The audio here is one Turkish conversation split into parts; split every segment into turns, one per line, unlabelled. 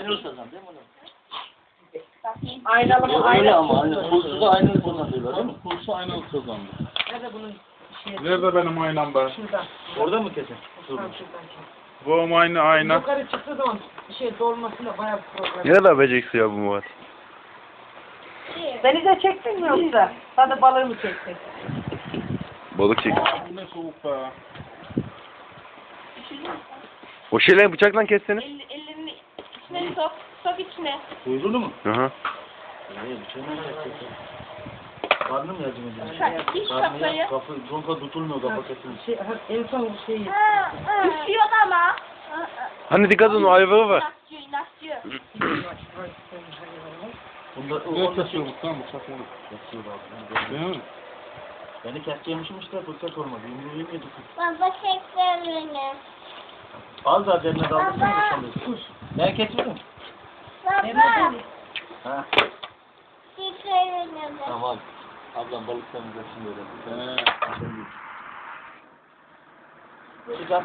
Aynı ustadan değil mi onu?
Aynalı mı?
Öyle ama aynı. Kursu da aynı ustadan diyorlar değil mi?
Kursu aynı ustadan.
Nerede bunun şeyi?
Nerede benim aynam be?
Şurada.
Orada mı kesin?
Tam şuradan.
Bu aynı ayna.
Yukarı çıktığı zaman dolmasında bayağı bir problem.
Ne kadar beceriksiz ya bu Murat.
Denize çektin mi yoksa? Hadi balığı mı çektin?
Balık çek.
Bu ne soğuk be.
O şeyleri bıçakla kessene.
Ellerini içine sok. Sok içine.
Kuyruğunu mu?
Hı hı.
Bıçağını kesin. Karnı mı yardım ediyor?
İç
Karnı
kafayı.
ya. Conka tutulmuyor kafa kesin.
En son şeyi.
Üşüyor ama.
Hani dikkat edin o ayvağı var.
İnatçı.
Bunda
Ne
o
kesiyor bu tam bıçak olur.
kesiyor abi.
Değil mi?
Beni keseceğimişim işte fırsat olmadı. Yumruğu yemedik.
Baba çekti beni.
Az daha derine daldırsana da şimdi. Ben kesmedim.
Baba.
Ha.
Çekti beni.
Tamam. Ablam balık temizlesin böyle. Sıcak.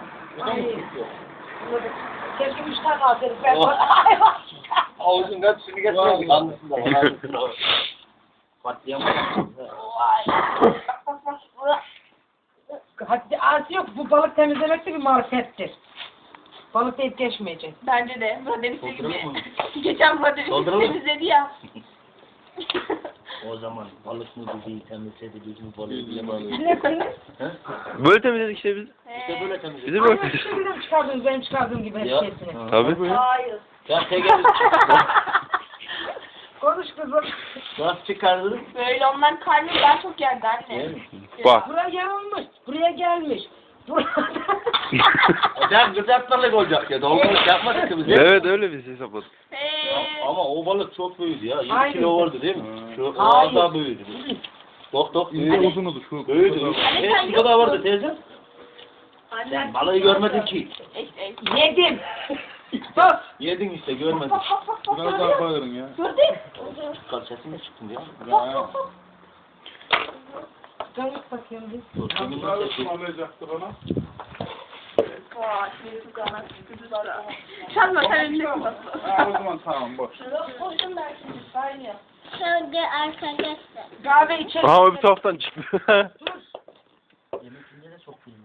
Keşke 3 tane alsaydık. Ben
Ağzın hepsini getirdim. Anlısın da. Anlısın da. Patlayamam.
Hadi arası yok. Bu balık temizlemek de bir marifettir. Balık deyip geçmeyecek.
Bence de. Murat
Dolduralım mı?
Geçen Murat
Dolduralım.
temizledi ya.
O zaman balık mı dedi, temizledi, düz mü balığı bile
Böyle temizledik işte biz.
İşte böyle temizledi.
Bizi böyle
Aynen
temizledik.
şimdi çıkardınız benim çıkardığım gibi
Ya.
hepsini.
Tabii.
Hayır.
Ben tekrar
Konuş kızım.
nasıl çıkardın?
Böyle ondan karnı daha çok yerdi anne.
Değil mi?
Bak.
Buraya yanılmış. Buraya gelmiş.
Ben gıdaklarla olacak ya. Dolmalık yapmadık ki biz.
Evet öyle biz hesapladık.
Ama o balık çok büyüdü ya. 7
Aynen.
kilo vardı değil mi? Şu
Hayır.
az daha büyüdü. Dok
İnce
büyüdü.
uzunudur şu.
Büyüdü. Şu kadar vardı teyze.
Anne.
Sen balığı görmedin ki.
Yedim. Sus.
Yedin işte görmedin.
Biraz daha koyarım ya.
Gördün.
Kalçası mı çıktın ya?
Ya.
Dön bakayım bir.
Dur, kimin
Biraz
sesi?
ısmarlayacaktı bana.
Vay, şimdi çok anlattı. Çalma sen elini
Ha, o zaman tamam boş.
koydum ben şimdi. Aynı.
Şöyle arkadaşlar.
Kahve içelim.
Aha o bir taraftan çıktı.
Yemekinde de çok büyüdü.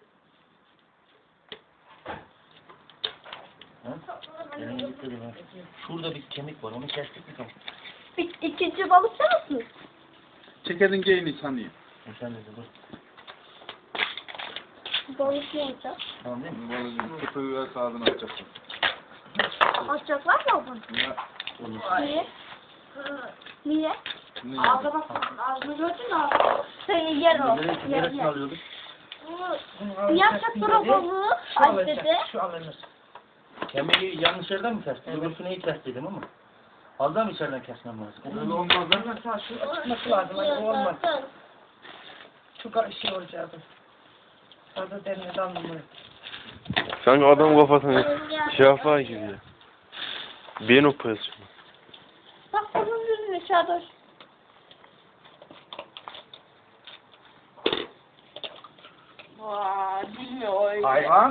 Yemeğe gittim ha. Şurada bir kemik var, onu kestik mi tamam?
İkinci balık sen misin?
Çekedin geyini sanayım.
Sen de dur.
Balık neydi?
Tamam değil mi?
Vallahi kutuyu ver sağdını açacaksın.
Açacaklar mı bunu?
Ya.
Niye? Niye?
Ne?
Ağza bak, ağzını gördün mü? Sen yer o.
Neresini alıyorduk?
Yapacak sonra balığı
Şu
aç
alınacak.
dedi.
Şu alınır.
Kemiği yanlış yerden mi kestin? Öbürsünü iyi kestim ama. Fazla mı içeriden kesmem lazım?
Öyle olmaz lan.
Ama sağ şu çıkması lazım. Hani olmaz. Şu şey olacaktı. Fazla derine dalmamalı.
Sanki adam kafasını şey yapar gibi ya. Beyin operasyonu.
Bak bunun yüzüne çadır. Vaa, bilmiyor öyle.
Hayvan.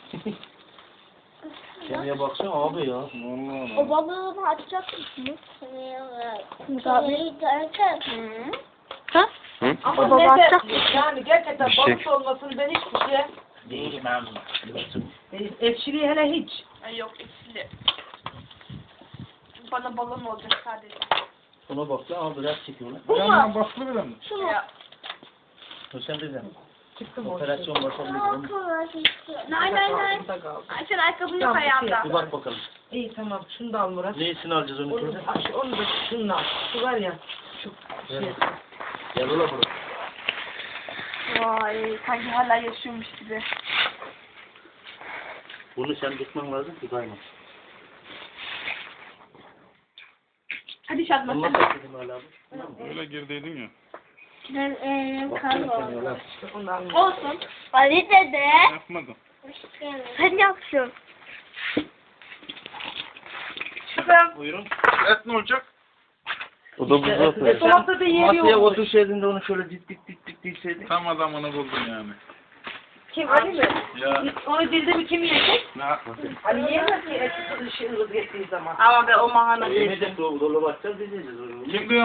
Kemiğe baksana abi ya.
Vallahi.
O balığı açacak mısınız?
Kemiği derken
Ha?
Hı?
Ama
baba
ne
açacak
dersin? Yani gerçekten
Bir şey-
balık olmasını ben hiçbir şey
Değişmem.
ekşiliği hele hiç.
Ay yok ekşili. Bana balon olacak sadece.
Buna baksana abi biraz çekiyorlar.
Yandan basılı bile mi?
Şu mu? Ya.
Sen de mi?
Çıktım o.
Operasyon başarılı gibi.
Nay nay nay.
Burada kaldı.
Ay sen ayakkabın yok
Tamam,
ayağında.
Bir bak bakalım.
İyi tamam şunu da al Murat.
Neyisini alacağız onu
Onu
şimdi?
da, onu da şununla al. Şu var ya. Şu şey.
Gel ola buraya.
Vay sanki hala yaşıyormuş gibi.
Bunu sen tutman lazım ki kayma.
Hadi Şadman
Bunu
sen.
nasıl dedim hala abi?
Öyle girdiydin ya.
ben
Baksana sen ya.
Onu da al.
Olsun.
Ali dede.
Yapmadım.
Sen yapsın.
Buyurun.
Et ne olacak?
O da buzlu atıyor.
Dolapta da yeri
Masaya
yok.
otursaydın da onu şöyle dik dik dik dik dikseydin.
Tam adamını buldun yani.
Kim Ali mi?
Ya.
Onu dilde mi kim yiyecek?
Ne yapmasın?
Ali yiyemez ki eti ışığınız geçtiği zaman.
Ama be o mahana
Yemedik dolu açacağız biz yiyeceğiz.
Kim diyor?